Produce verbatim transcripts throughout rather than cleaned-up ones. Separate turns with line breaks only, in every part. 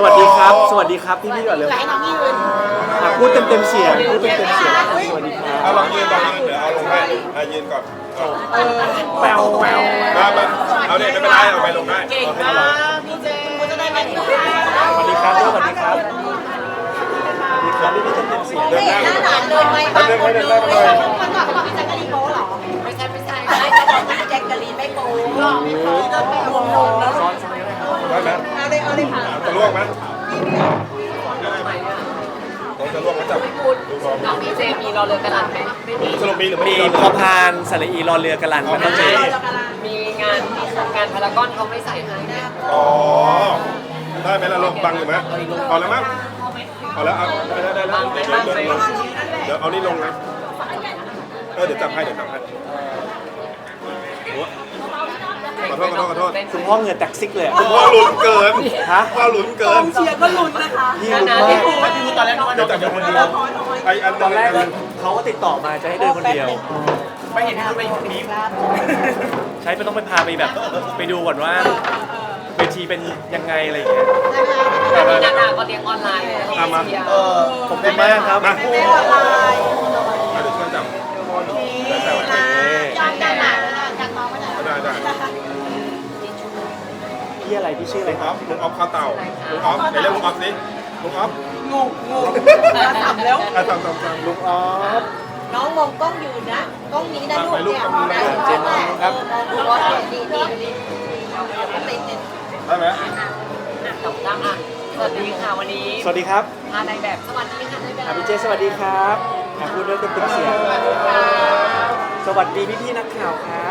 วัสดีครับสวัสดีครับพี่พี่ก่อนเลย
ให้น้องยืน
อ่ะพูดเต็มเต็มเสียงพูดเต็มเต็มเสียงสวัสดีครับ
เอาลองยืนลองยืนเดี๋ยวเอาลงให้อ่ะยืนก่อนเอา
แววแวว
มามาเอาเนี่ยไม่เป็นไรเอาไปลงได้
เก่ง
เอาให้
มา
ลง
กพี่เจคุณจะได้ไหม
สวัสดีครับสวัสดีครับสวัสดีครับพี่พี่เต็มเต็มเสียง
เดินหน้า
หน้าหลานเลยไหม
เดินไปเดินไปเลย
มันก่อนเขาบอกพี่แจ็คกะลีโป้เหรอไม่ใช่ไม่ใช่ไม่เขาบอกพี่แจ็คกะลีไม่โป้หรอไม่โป้เดินไปวงลงแล้ว
ซ้อนซ้อนยังไงครับ
ได้ไหม
เอาเลยเอาเลยค่ะ
จะล่วงไหมต้องจะล่วงไหมจับดูพร้อม
น้องพี่เจมีเราเลยกระลันไหมไม่มี
สรุปมีหรือไม่
มี
มี
พอพานสระอีรอเรือกระลันแล้วก็เจ
มีงานงานพารากอนเขาไม่ใส่ให้
อ๋อได้ไหมล่ะลงบังอยู่ไหมพอแล้วมั้งพอแล้วเอาได้ได้ได้แล้วเดี๋ยวเดี๋ยวเดี๋ยวเอานี่ลงนะเออเดี๋ยวจับให้เดี๋ยวจับให้ขอโทษขอโทษขอโทษ
คุณพ่อเหงื่อแตกซิกเลยอะ
คุณพ่อหลุนเกิน
ฮะ
พ่อหลุนเกิน
เชียร์ก็ลุ้นนะคะ
พี่รู้มาก
ไม่พี่ตอนแรกนึกว่าเดี๋ยวจับคนเดียวไออัน
ตอนแรกเขาก็ติดต่อมาจะให้เดินคนเดียว
ไม่เห็นที่ไม่อยู่ทีม
ใช้ไปต้องไปพาไปแบบ ไปดูก่อนว่าเวทีเป็นยังไงอะไรอย่างเงี้ย
มีนานาก็เลี้ยงออนไลน์
ตามมา
เออขอบคุณมากครับ
มา
แม่ออนไลน์
เดี๋ยวช่วยจับ
จำได้ไหมจากน้องไปไหน
ได้ได้
พี่อะไรพี่ชื่ออะไร
ลุง
ค
อ
รั
อบ ฟลุงออฟข้าวเต่าลุงออฟเดี๋ยวเรียกลุงออฟสิลุงออฟ
งงงงทำแล้ว
อ่ะทำทำทำ
ลุงออฟ
น้องมองกล้องอยู่นะ กล้องนี้นะลูกเนี่ย
เจนครับ
ดูว่านี่นี่นี่ติดติด
ได้ไหม
ตบตั้งอ่ะสวัสดีค่ะวันนี้
สวัสดีครับ
พาในแบบสวัสดีค่ะในแบบ
อ่ะพี่เจสวัสดีครับอ่ะพูดด้วยเต็มเสียงสวัสดีพี่พี่ๆนักข่าวครับ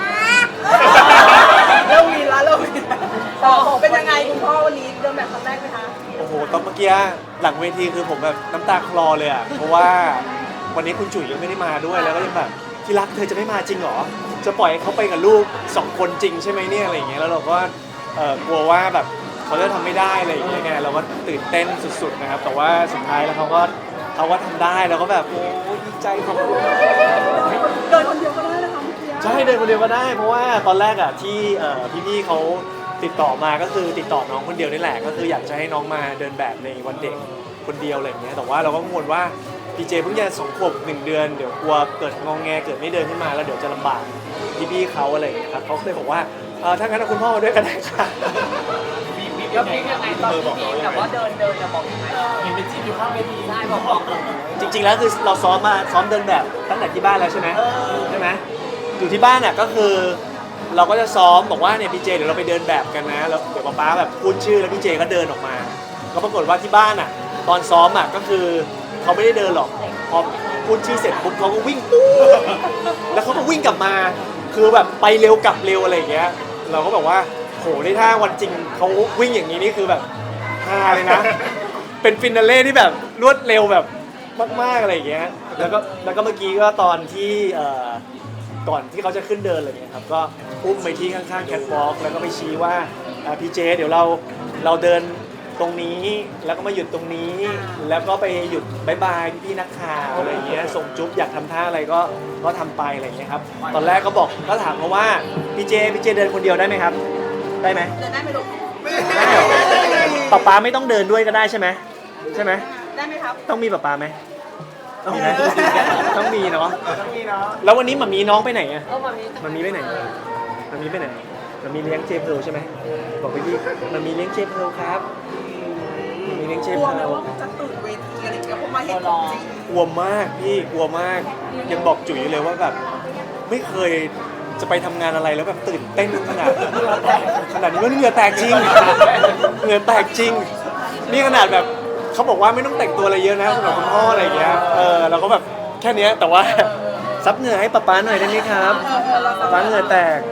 เริ่มวินละเริ่มวินละต่อเป็นยังไงคุณพ่อวันนี้เดินแบบครั้งแรกไหมคะ
โอ้โหตอนเมื่อกี้หลังเวทีคือผมแบบน้ำตาคลอเลยอ่ะเพราะว่าวันนี้คุณจุ๋ยยังไม่ได้มาด้วยแล้วก็ยังแบบที่รักเธอจะไม่มาจริงเหรอจะปล่อยให้เขาไปกับลูกสองคนจริงใช่ไหมเนี่ยอะไรอย่างเงี้ยแล้วเราก็เอ่อกลัวว่าแบบเขาจะทำไม่ได้อะไรอย่างเงี้ยไงเราก็ตื่นเต้นสุดๆนะครับแต่ว่าสุดท้ายแล้วเขาก็เขาก็ทำได้แล้วก็แบบโอ้ยดีใจขอบคุณ
เดินคนเดียวก็ได้นะคะเมื่อกี้
ใช่เดินคนเดียวก็ได้เพราะว่าตอนแรกอ่ะที่เอ่อพี่ๆเขาติดต่อมาก็คือติดต่อน้องคนเดียวนี่แหละก็คืออยากจะให้น้องมาเดินแบบในวันเด็กคนเดียวอะไรอย่างเงี้ยแต่ว่าเราก็กังวลว่าพีเจเพิ่งจะสองขวบหนึ่งเดือนเดี๋ยวกลัวเกิดงองแงเกิดไม่เดินขึ้นมาแล้วเดี๋ยวจะลำบากพี่ๆเขาอะไรอย่างเงี้ยครับเขาก็เลยบอกว่าเออถ้างั้นเอาคุณพ่อมาด้วยก็ได้ค่ะ
แล้วพี่ยังไงตอนที่แบบว่าเดินเดินจะบอกยังไงเห็นเป็นจิ้มอยู่ข้างเวทีได้บอกบอก
จริงๆแล้วคือเราซ้อมมาซ้อมเดินแบบตั้งแต่ที่บ้านแล้วใช่ไหมใช่ไหมอยู่ที่บ้านน่ะก็คือ เราก็จะซ้อมบอกว่าเนี่ยพี่เจเดี๋ยวเราไปเดินแบบกันนะแล้วเดี๋ยวป๊าป๊าแบบพูดชื่อแล้วพี่เจก็เดินออกมาก็ปรากฏว่าที่บ้านอ่ะ ตอนซ้อมอ่ะก็คือเขาไม่ได้เดินหรอกพอพูดชื่อเสร็จปุ๊บเขาก็วิ่งปุ๊บแล้วเขาก็วิ่งกลับมา คือแบบไปเร็วกลับเร็วอะไรอย่างเงี้ย เราก็แบบว่าโหได้ถ้าวันจริงเขาวิ่งอย่างนี้นี่คือแบบฮาเลยนะ เป็นฟินาเล่ที่แบบรวดเร็วแบบมากๆอะไรอย่างเงี้ยแล้วก็แล้วก็เมื่อกี้ก็ตอนที่เอ่อ ก่อนที่เขาจะขึ้นเดินอะไรเงี้ยครับก็อุ้มไปที่ข้างๆแคทวอล์กแล้วก็ไปชี้ว่าอ่าพี่เจเดี๋ยวเราเราเดินตรงนี้แล้วก็มาหยุดตรงนี้ แล้วก็ไปหยุดบายบายพี่ๆนักข่าวอะไรเงี้ยส่งจุ๊บอยากทำท่าอะไรก็ก็ทำไปอะไรเงี้ยครับตอนแรกก็บอกก็ถามเขาว่าพี่เจพี่เจเดินคนเดียวได้ไหมครับได้ไหม
เดินได้ไหมลูก
ได้เหรอป๊าป๊าไม่ต้องเดินด้วยก็ได้ใช่ไหมใช่ไหม
ได้ไหมครับ
ต้องมีป๊าป๊าไหมต้องมีไหมต้องมีเนาะ
ต้องมีเนาะ
แล้ววันนี้มามีน้องไปไหนอะ
เออมามี
มันมีไปไหน มันมีไปไหน มันมีเลี้ยงเจเพลใช่ไหมบอกไปพี่มันมีเลี้ยงเจเพลครับมันมีเลี้ยงเจ
ก
เพ
ลัวไหม
ล
ว่าจะตื่นเวทีอะไรอย่างเงี้ยเพราะมาเห็นของจริง
กลัวมากพี่กลัวมาก ยังบอกจุ๋ยเลยว่าแบบไม่เคยจะไปทำงานอะไรแล้วแบบตื่นเต้นขนาดขนาดนี้ว่าเหงื่อแตกจริงเหงื่อแตกจริง นี่ขนาดแบบเขาบอกว่าไม่ต้องแต่งตัวอะไรเยอะนะสำหรับคุณพ่ออะไรอย่างเงี้ย เออเราก็แบบแค่เนี้ยแต่ว่าซับเหงื่อให้ป๊าป๊าหน่อยได้ไหมครับป๊าป๊าเหงื่อแตก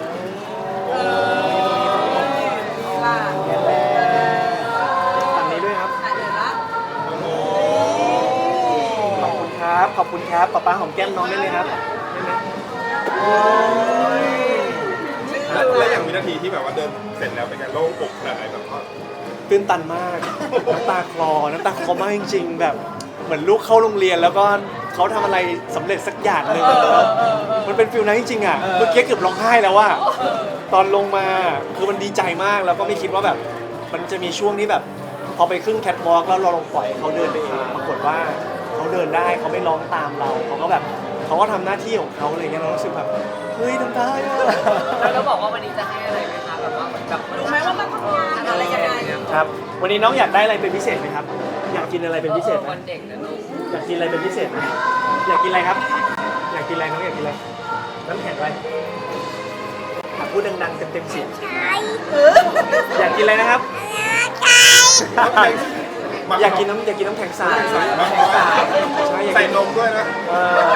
ล่ะ
ฝั่งนี้ด้วยครับ
อ่ะเดินละ
ขอบคุณครับ ขอบคุณครับป๊าป๊าหอมแก้มน้องได้เลยครับได้ไหม
แล้วแล้วอย่างวินาทีที่แบบว่าเดินเสร็จแล้วเป็นไงโล่งอกขนาดไหนแบบว่า
ตื้นตันมาก น้ำตาคลอ น้ำตาคลอมากจริงๆ แบบเหมือนลูกเข้าโรงเรียนแล้วก็เขาทำอะไรสำเร็จสักอย่างหนึ่งมันเป็นฟิลนั้นจริงๆอ่ะ เมื่อกี้เกือบร้องไห้แล้วว่า ตอนลงมาคือมันดีใจมากแล้วก็ไม่คิดว่าแบบ มันจะมีช่วงที่แบบพอไปครึ่งแคทวอล์กแล้วเราลองปล่อยเขาเดินไปเองปรากฏว่าเขาเดินได้เขาไม่ร้องตามเราเขาก็แบบเขาก็ทำหน้าที่ของเขาอะไรเงี้ยเรารู้สึกแบบเฮ้ยทำได้อะ
แล้วเราบอกว่าวันนี้จะให้อะไรไหมคะแบบว่าเหมือนแบบ
รู้ไหมว่ามันทำงานอะไรยังไง
ครับวันนี้น้องอยากได้อะไรเป็นพิเศษไหมครับอยากกินอะไรเป็นพิเศษไหม
วันเด็กนะลูก
อยากกินอะไรเป็นพิเศษไหมอยากกินอะไรครับ อยากกินอะไรน้องอยากกินอะไรน้ำแข็งอะไรอ่ะพูดดังๆเต็มๆเสียงอยากกินอะไรนะครับ อยากกินน้ำอยากกินน้ำแข็งใสน้ำแข็งใสใช่อยาก
ใส่
กิน
นมด้วยนะ
เออ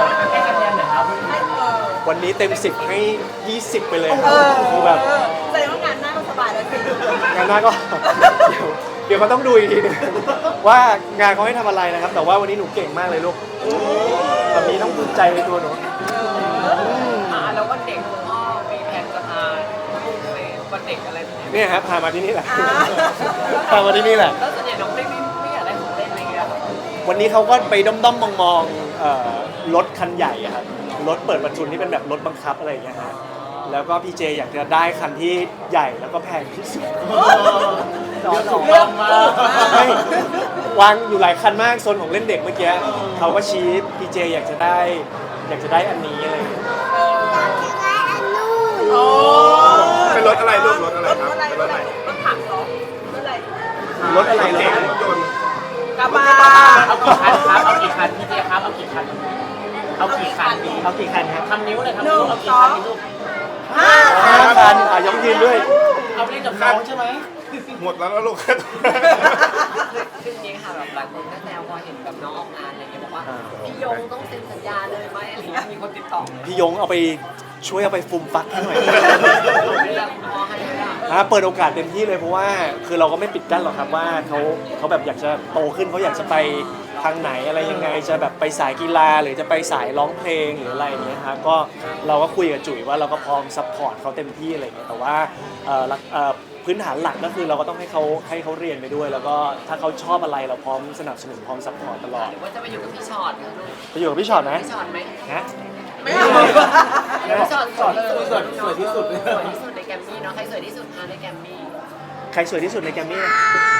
วันนี้เต็มสิบให้ยี่สิบไปเลยครับคือแบบ
แสดงว่างานหน้าก็สบายแล้วสิ
งานหน้าก็ เดี๋ยวเดี๋ยวเขาต้องดูอีกทีหนึงว่างานเขาให้ทำอะไรนะครับ แต่ว่าวันนี้หนูเก่งมากเลยลูกแบบนี้ต้องภูมิใจในตัวหนู
อ่าแล้ววันเด็กคุณพ่อมีแผนจะพาลูกไปวันเด็กอะไรแบบนี้
เนี่ยครับพามาที่นี่แหละพามาที่นี่แหละ
แล้วส่วนใหญ่น้องไม่ไม่ไม่อยากได้ของเล่นอะไรอย่างเงี้ยหรอ
วันนี้เขาก็ไปด้อมๆมองๆเอ่อรถคันใหญ่อะครับรถเปิดประทุนที่เป็นแบบรถบังคับอะไรอย่างเงี้ยฮะแล้วก็พี่เจอยากจะได้คันที่ใหญ่แล้วก็แพงที่สุด
เลือกถูกมาก
ไม่วางอยู่หลายคันมากโซนของเล่นเด็กเมื่อกี้เขาก็ชี้พี่เจอยากจะได้อยากจะได้อันนี้อะไรอย่างเงี้ย
โอ้
เป็นรถอะไรลูกรถอะไร
รถ
ครับ
อะไร
เป็น
ร
ร
ถ
ถ
อะ
อะไร ไร
รถถังเหรอรถอะไร
รถอะไร
รถ
เล
เก๋
ย
งรถยนต์
กระบะ
เอากี่คันครับ เอากี่คันพี่เจครับ เอากี่คัน เอากี่คันดี
เอากี่คันครับ
ทำนิ้วเลยครับ
หนึ่ง
เอากี่
สอ
คัน
ง
ดีลูก
ห้า
ห้าคันอ่ะยกยืนด้วย
เอาเล่นกับน้องใช่ไหม
หมดแล้วนะลูก
ซึ่งนี้ค่ะแบบหลายคนก็แซวพอเห็นแบบน้องออกงานอะไรเงี้ยบอกว่าพี่ยงต้องเซ็นสัญญาเลยไหมอะไรเงี้ยมีคนติดต่อ
พี่ยงเอาไปช่วยเอาไปฟุมฟักให้หน่อย
ไม่ได้พอให้ไม่ได้
อ่ะเปิดโอกาสเต็มที่เลยเพราะว่าคือเราก็ไม่ปิดกั้นหรอกครับว่าเขาเขาแบบอยากจะโตขึ้นเขาอยากจะไปทางไหนอะไรยังไงจะแบบไปสายกีฬาหรือจะไปสายร้องเพลงหรืออะไรอย่างเงี้ยครับก็เราก็คุยกับจุ๋ยว่าเราก็พร้อมซัพพอร์ตเขาเต็มที่อะไรอย่างเงี้ยแต่ว่าเอ่อหลักเอ่อพื้นฐานหลักก็คือเราก็ต้องให้เขาให้เขาเรียนไปด้วย แล้วก็ถ้าเขาชอบอะไรเราพร้อมสนับสนุนพร้อมซัพพอร์ตตลอด
หรือว่าจะไปอยู่กับพี่ชอตนะลูก
ไปอยู่กับพี่ชอตไหม
พี่ชอตไหม
ฮะ
ไม่เอา
พี่ชอตสวยเลย
สวยสวยที่สุดเลย
สวยที่สุดในแกรมมี่เนาะใครสวยที่สุดคะในแกรมมี่
ใครสวยที่สุดในแกรมมี่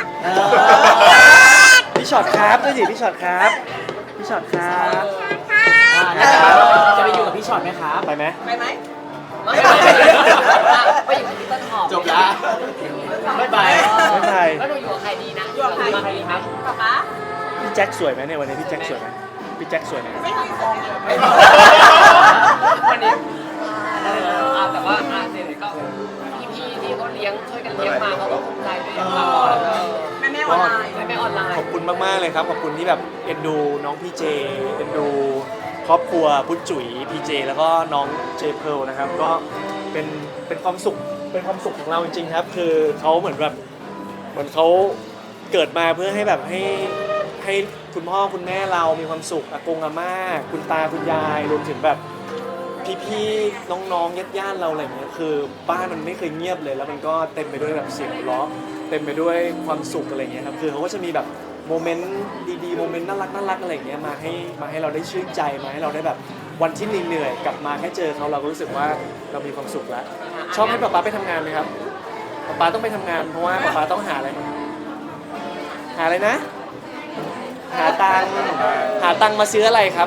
พี่ชอตครับด้วยสิพี่ชอตครับพี่ชอตครับ
อ่านะครับจะไปอยู่กับพี่ช็อตไหมครับ
ไปไหม
ไปไหม
ไม่ไปอยู่กับพี่ต้นหอม
จบละบ๊ายบาย
ไม่ไป
แล้วหนูอยู่กับใครดีนะ
อยู่กับใคร
ใครดีครับ
ป๊าป๊า
พี่แจ็คสวยไหมเนี่ยวันนี้พี่แจ็คสวยไหมพี่แจ็คสวยไหม
ไม่ค่อยสวย
วันนี้อ่าแต่ว่าอ่าเดี๋ยวก็พี่ๆที่เขาเลี้ยงช่วยกันเลี้ยงมาเขาก็ภูมิใจด้วยค่ะ
แม่แม่ออนไลน์
ไม่ไม่ออนไลน์
ขอบคุณมากๆเลยครับขอบคุณที่แบบเอ็นดูน้องพี่เจเอ็นดูครอบครัวพุทธจุ๋ยพี่เจแล้วก็น้องเจเพร์ลนะครับก็เป็นเป็นความสุขเป็นความสุขของเราจริงๆครับ คือเขาเหมือนแบบเหมือนเขาเกิดมาเพื่อให้แบบให้ให้คุณพ่อคุณแม่เรามีความสุขอากงอาม่าคุณตาคุณยายรวมถึงแบบพี่ๆน้องๆญาติๆเราอะไรอย่างเงี้ยคือบ้านมันไม่เคยเงียบเลย แล้วมันก็เต็มไปด้วยแบบเสียงหัวเราะเต็มไปด้วยความสุขอะไรอย่างเงี้ยครับคือเขาก็จะมีแบบโมเมนต์ดีๆโมเมนต์น่ารักน่ารักอะไรอย่างเงี้ยมาให้มาให้เราได้ชื่นใจมาให้เราได้แบบวันที่เหนื่อยๆกลับมาแค่เจอเขาเราก็รู้สึกว่าเรามีความสุขแล้วชอบให้ป๊าป๊าไปทำงานไหมครับป๊าป๊าต้องไปทำงานเพราะว่าป๊าป๊าต้องหาอะไรหาอะไรนะ หาตังค์หาตังค์มาซื้ออะไรครับ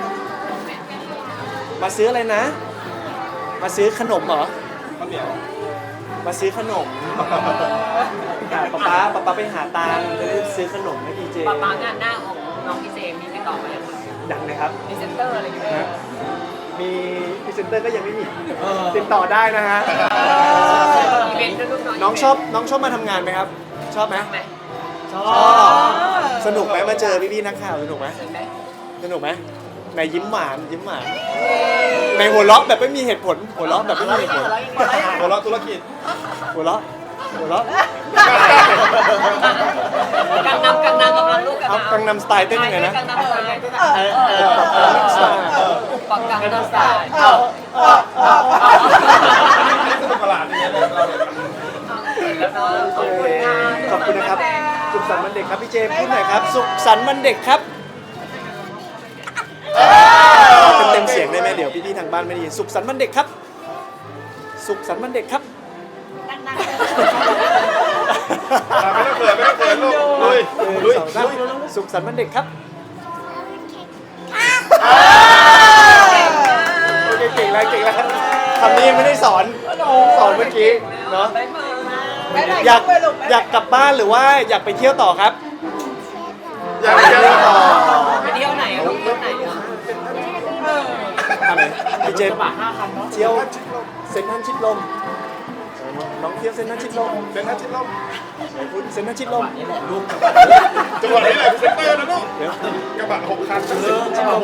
มาซื้ออะไรนะ มาซื้อขนมเหรอ
ข้าวเหนียว
มาซื้อขนมป๊าป๊าป๊าป๊าไปหาตังค์จะได้ซื้อขนมให้ดีเจ
ป๊าป๊างานหน้าของน้องพี่เจมีติดต่อมาอย่างไร
ดังเลยครับ
พรีเซนเตอร์อะไรอย่างเงี้ย
มีพรีเซนเตอร์ก็ยังไม่มีติดต่อได้นะฮะ
อีเวนต์ด้วยลูกน้อย
น้องชอบน้องชอบมาทำงานไหมครับ ชอบไหม
ไหม
ชอบสนุกไหมมาเจอพี่ๆนักข่าวสนุกไหม
เห็นไหม
สนุกไหมในยิ้มหวานยิ้มหวานในหัวเราะแบบไม่มีเหตุผลหัวเราะแบบไม่มีเหตุผล
หัวเราะธุรกิจ
หัวเราะหัวเราะ
กังนำกังนำกำลังลูกกัง
เอา
นำ
กังนำสไตล์เต้นยังไงนะ
กังนำสไตล์
เออเออเออสไตล์
ปักกังนำสไตล์
สนุกประหลาดเนี่ยเราเลย
แล้วเนาะขอบคุณค่ะ
ขอบคุณนะครับ สุขสันต์วันเด็กครับพี่เจพูดหน่อยครับ สุขสันต์วันเด็กครับเต็มๆเสียงได้ไหมเดี๋ยวพี่ๆทางบ้านไม่ได้ยินสุขสันต์วันเด็กครับ สุขสันต์วันเด็กครับ
ดังๆ
ไม่ต้องเขินไม่ต้องเขินลูกลุยลุย
หนึ่ง
ลุย
สองสามสุขสันต์วันเด็กครับโอเคเก่งแล้วเก่งแล้วคำนี้ยังไม่ได้สอนสอนเมื่อกี้เนาะ
บ๊ายบาย
ไปไหน
อยาก
ไปลูก
อยากกลับบ้านหรือว่าอยากไปเที่ยวต่อครับ
อย่าไปเที่ยวต่อ
ไปเที่ยวไหนอะลูกเที่ยวไหนอะ
อะไรพี่เจ
กระบะห้าคันเนาะ
เที่ยวเซ็นทรัลชิดลมน้องเที่ยวเซ็นทรัลชิดลม
เป็นทัชชิดลม
ไหนพูดเซ็นทรัลชิดลม
นี่แหละลูก
จังหวะนี้แหละเซ็นเตอร์นะลูก
เดี๋ยว
กระบะหกคันทั้งสิบ
ชิดลม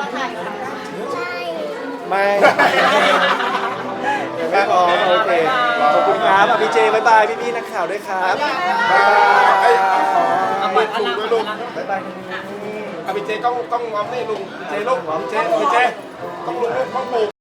ไม่ไม่พอโอเคขอบคุณครับอ่ะพี่เจบ๊ายบายพี่ๆนักข่าวด้วยครับ
ไอ้
เอา
เปิ
บั
ด
ตร
ถูกด้วยลูก
บ๊ายบาย
อ่ะพี่เจต้องต้องงอมนี่ลุงพี่เจลูกพี่เจพี่เจต้องลุงลูกต้องปลูก